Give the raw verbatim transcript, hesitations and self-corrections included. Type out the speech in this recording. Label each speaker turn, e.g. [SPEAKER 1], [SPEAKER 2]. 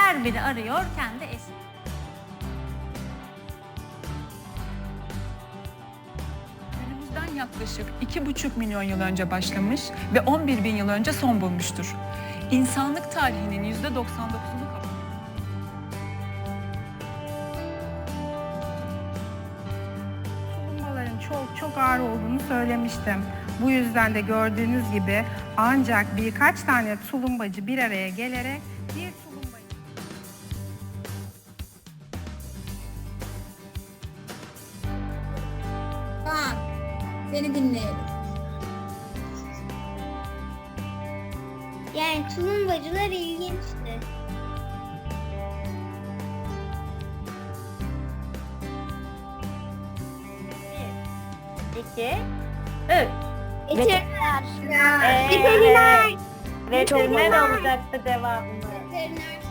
[SPEAKER 1] Her biri arıyor kendi eşini.
[SPEAKER 2] Günümüzden yaklaşık iki buçuk milyon yıl önce başlamış ve on bir bin yıl önce son bulmuştur. İnsanlık tarihinin yüzde doksan dokuzunu kapsıyor.
[SPEAKER 3] Tulumbaların çok çok ağır olduğunu söylemiştim. Bu yüzden de gördüğünüz gibi ancak birkaç tane tulumbacı bir araya gelerek bir tulumbayı...
[SPEAKER 4] Kaan, seni dinleyelim.
[SPEAKER 5] Yani tulumbacılar ilginçti.
[SPEAKER 1] İki, üç.
[SPEAKER 5] Veteriner.
[SPEAKER 1] Evet.
[SPEAKER 5] Veteriner.
[SPEAKER 1] Veteriner olacaktı devamında.
[SPEAKER 5] Veteriner